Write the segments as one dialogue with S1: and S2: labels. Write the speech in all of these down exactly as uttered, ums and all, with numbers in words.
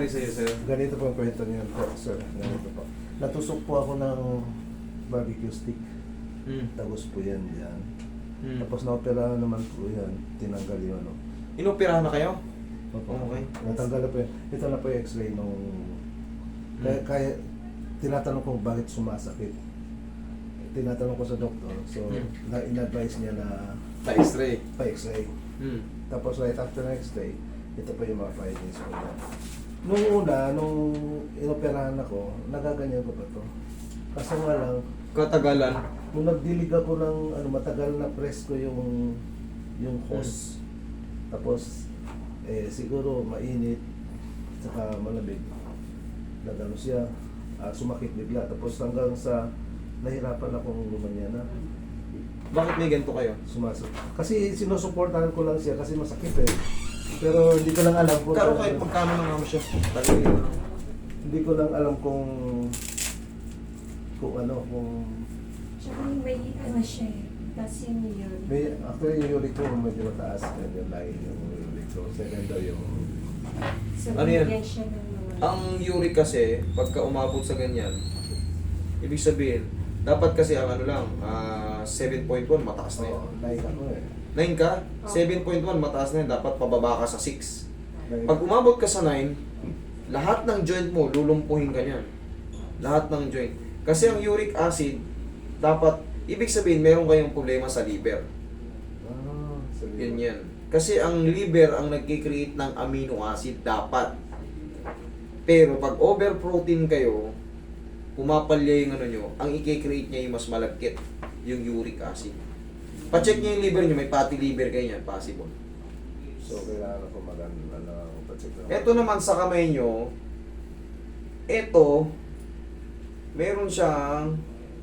S1: nangyari sa'yo, sir?
S2: Ganito po ang kwento niyan po, sir. Ganito po. Natusok po ako ng barbecue stick.
S1: Hmm.
S2: Tapos po yan yan.
S1: Hmm.
S2: Tapos na-opera naman po yan. Tinanggal yung ano.
S1: Inoperahan na kayo?
S2: Opo.
S1: Okay.
S2: Natanggal na po yan. Ito na po yung x-ray nung... Kaya,
S1: Hmm.
S2: kaya tinatanong ko bakit sumasakit. Tinatanong ko sa doktor. So,
S1: Hmm.
S2: na in-advise niya na
S1: Pa-X-ray.
S2: pa-x-ray.
S1: Hmm.
S2: Tapos right after ng x-ray, ito pa yung mga findings ko na. Nung una, nung inoperahan ako, nagaganyan ko pa to. Kaso nga lang,
S1: Katagalan.
S2: nung nagdilig ako ng ano, matagal na press ko yung yung hose. Tapos, eh, siguro mainit, saka malamig. Nagano siya, ah, sumakit bigla. Tapos hanggang sa nahirapan akong lumanya na.
S1: Bakit may ganito kayo?
S2: Sumasok. Kasi sinusuportahan ko lang siya kasi masakit eh. Pero hindi ko lang alam kung
S1: Karo kahit magkano na naman siya. Talaga yun.
S2: hindi ko lang alam kung kung ano, kung
S3: Tsaka may ano siya eh. Kasi yun.
S2: may actually yung uric ko medyo mataas yan yung line yung uric ko. Second daw yung
S3: So,
S1: Ano yan?
S3: binigyan siya ng mga...
S1: Ang uric kasi, pagka umabot sa ganyan, ibig sabihin, dapat kasi ang ano lang, ah, seven point one, mataas na yun.
S2: oh, line ako eh.
S1: nine ka,
S3: Oh.
S1: seven point one, mataas na yun, dapat pababa ka sa six.
S2: Line.
S1: Pag umabot ka sa nine, lahat ng joint mo, lulumpuhin ka niyan. Lahat ng joint. Kasi ang uric acid, dapat, ibig sabihin, meron kayong problema sa liver.
S2: Ah, sabi
S1: Yun
S2: ko.
S1: yan. Kasi ang liver ang nagkikreate ng amino acid, dapat. Pero pag over-protein kayo, pumapalya yung ano nyo, ang i-create niya yung mas malagkit, yung uric acid. Pa-check niya yung liver nyo, may fatty liver kayo yan, possible.
S2: So kailangan ako maganda ano, pa-check na.
S1: Ito naman sa kamay nyo, ito, meron siyang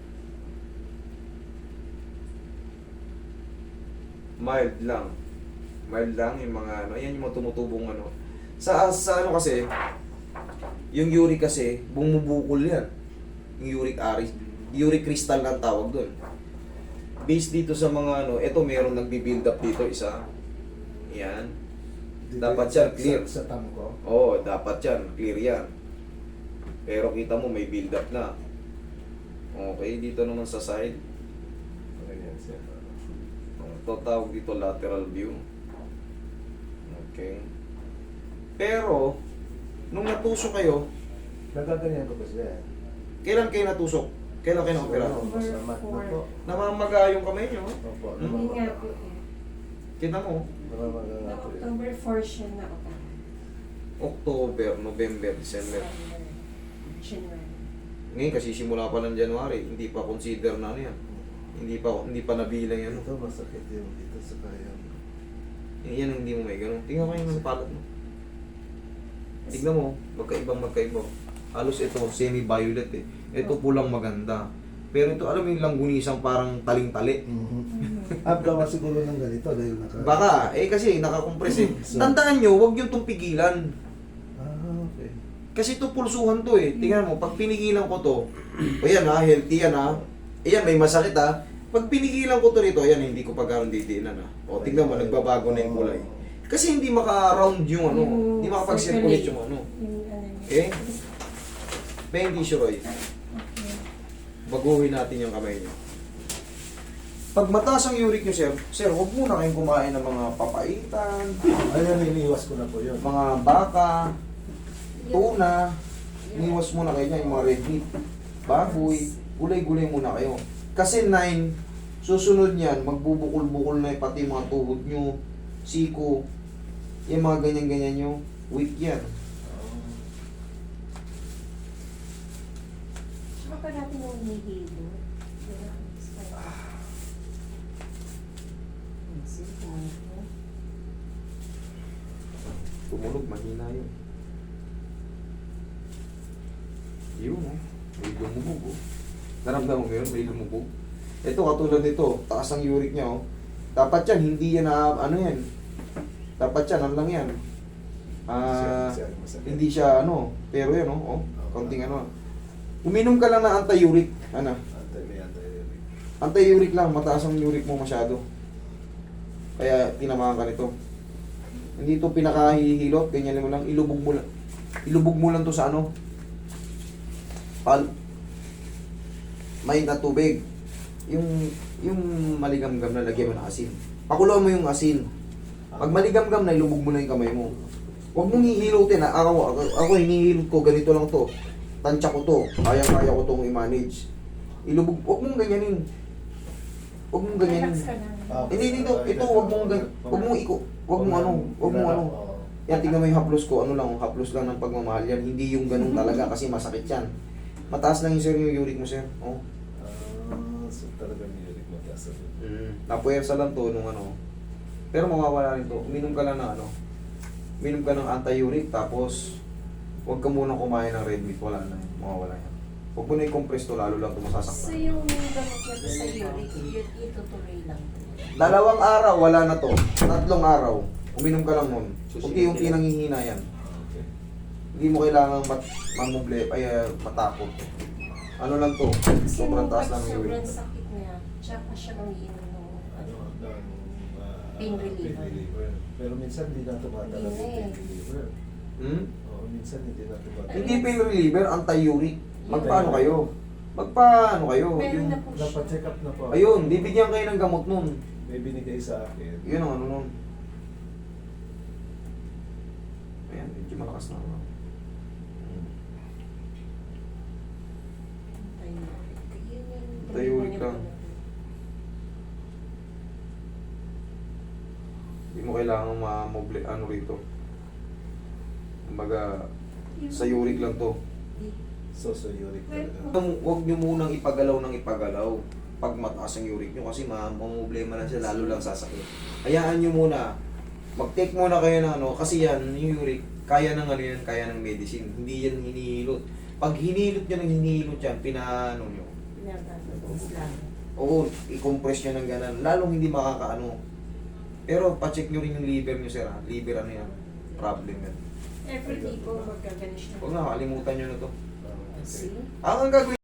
S1: mild lang. Mild lang yung mga ano, yan yung mga tumutubong ano. Sa, sa ano kasi, yung uric kasi, bumubukol yan. Yung uric acid, uric crystal lang tawag doon. Based dito sa mga ano, ito meron nagbi-build up dito isa. Yan.
S2: Dito
S1: dapat
S2: yung
S1: siya
S2: sa-
S1: clear.
S2: Sa, sa tam ko.
S1: Oo, dapat yan. Clear yan. Pero kita mo, may build up na. Okay, dito naman sa side.
S2: Ganyan siya.
S1: Ito tawag dito lateral view. Okay. Pero, nung natusok kayo,
S2: Nagaganyan ko ba siya?
S1: kailan kayo natusok? Kailan kayo na-opera?
S2: Siguro, sa mat na po.
S1: Namamaga yung kamay nyo.
S2: Opo,
S1: Hmm?
S3: Hindi nga
S2: namamaga.
S3: po eh.
S1: Kita mo,
S2: Namamaga nga
S3: Noong
S2: po yun.
S3: October four siya na ako.
S1: October, November, December.
S3: January.
S1: Ngayon kasi simula pa ng January, hindi pa consider na ano yan. Hindi pa hindi pa nabilang yan.
S2: Ito masakit yung dito sa kaya.
S1: Yan ang hindi mo may ganun. Tingnan mo yung palad mo. Tignan mo, magkaibang magkaiba. Halos ito, semi-violet eh. Ito pulang maganda. Pero ito, alam mo yung langgunisang parang taling-tali.
S2: Mm-hmm. Abgawa siguro ng ganito dahil naka...
S1: Baka, eh kasi nakakompress eh.
S2: So-
S1: Tandaan nyo, huwag yung itong pigilan.
S2: Ah, okay.
S1: Kasi ito pulsuhan to eh. Tingnan mo, pag pinigilan ko to, o yan ha, healthy yan ha. Ayan, may masakit ha. Pag pinigilan ko to rito, ayan, hindi ko pagkaroon didiinan ha. O, tignan mo, nagbabago na yung kulay. Kasi hindi maka-round yung ano, hindi makapag-circulate yung ano.
S3: Yung ano niya.
S1: Okay? Pain tissue, Roy.
S3: Okay.
S1: Baguhin natin yung kamay niyo. Pag mataas ang uric niyo, sir, sir, huwag muna kayong kumain ng mga papaitan,
S2: Ayan, iniiwas ko na po yun.
S1: mga baka, tuna, iniwas muna kayo niya, yung mga red meat, baboy, gulay-gulay muna kayo. Kasi nine, susunod niyan, magbubukol-bukol na yung pati yung mga tuhod nyo, siko, yung mga ganyan-ganyan nyo, weak yan.
S3: Saka pa natin yung hinihilo.
S1: Tumulog, mahina yun. Yun, oh. May lumubog, oh. Naramdaman mo yun, may lumubog. Ito, katulad nito, taas ang uric niya, oh. Dapat yan, hindi yan na, ano yan. Dapat yan, ano lang yan. Ah,
S2: Masakit, masakit.
S1: hindi siya, ano, pero yan, oh, oh. Konting ano. Uminom ka lang ng anti-uric, ano.
S2: Antay, may antay.
S1: Anti-uric lang, mataas ang uric mo masyado. Kaya, tinamaan ka nito. Hindi ito pinakahihilot, ganyan mo lang, ilubog mo lang. Ilubog mo lang to sa ano? Pal. May na tubig. Yung yung maligamgam na lagyan mo ng asin. Pakuluan mo yung asin. Pag maligamgam na, ilubog mo na yung kamay mo. Huwag mong hihilutin. Ha? Ako, ako, ako hinihilot ko, ganito lang to. Tansya ko to. Kaya-kaya ko tong i-manage. Ilubog, huwag mong ganyanin. Huwag mong ganyanin.
S3: Relax ka lang.
S2: Ah,
S1: Hindi, dito, ito, huwag mong ganyan. Huwag mong iko. Huwag mong ano, huwag mong ano.
S2: Oo.
S1: Yan, tingnan mo yung haplos ko. Ano lang, haplos lang ng pagmamahal yan. Hindi yung ganun talaga kasi masakit yan. Mataas lang yung sir yung uric mo, sir. Oh.
S2: Ah, so talaga may uric mataas.
S1: Mm. Napuwersa lang to nung ano. Pero mawawala rin to. Uminom ka lang ng ano. Uminom ka ng anti-uric tapos huwag ka muna kumain ng red meat. Wala na yun. Mawawala yan. Huwag mo na i-compress to, lalo lang ito
S3: So
S1: masasaktan.
S3: yung gamot niya po sa uric, yun itutuloy lang.
S1: Dalawang araw, wala na to. Tatlong araw. Uminom ka lang nun. Unti-unti nanghihina yan.
S2: Okay.
S1: Hindi mo kailangan mat mamuble, ay uh, matakot. Ano lang to?
S3: Kasi
S1: Sobrang
S3: nung
S1: taas
S3: pag
S1: lang ng
S3: sobrang
S1: uric.
S3: sakit niya, tsaka siya umiinom ng
S2: Ano, ng, ah,
S3: Pain reliever.
S2: reliever. Pero minsan hindi na tumatala yung
S3: Hindi na
S2: pain
S3: eh.
S2: reliever.
S1: Hmm?
S2: Oo, minsan hindi na tumatala.
S1: Hindi pain reliever, anti-uric. Magpaano kayo? Magpaano kayo?
S3: Meron
S1: Yung,
S3: na po siya.
S2: Napacheck up na po. ako.
S1: ayun, bibigyan kayo ng gamot nun.
S2: May binigay sa akin.
S1: Yun ang ano nun. Ayan, medyo malakas na ako. Anti-uric lang. Hindi mo kailangan ma-moble, ano rito. Kumbaga, sa uric lang to.
S2: So, so uric talaga.
S1: Huwag huwag nyo munang ipagalaw ng ipagalaw pag mataas ang uric nyo kasi ma mamumblema lang siya, lalo lang sasakit. Hayaan nyo muna. Mag-take muna kayo ng ano, kasi yan, yung uric, kaya ng ano yan, kaya ng medicine. Hindi yan hinihilot. Pag hinilot nyo ng hinihilot yan, pinaano nyo.
S3: Pinapatapos lang.
S1: Oo, i-compress nyo ng ganan. Lalong hindi makakaano. Pero pa-check nyo rin yung liver nyo, sir. Ha? Liver ano yan? Problem yan.
S3: Every day po magkaganis na.
S1: Huwag na, kalimutan nyo na to.
S2: Ah, okay.
S3: See?
S1: Ang ang gagawin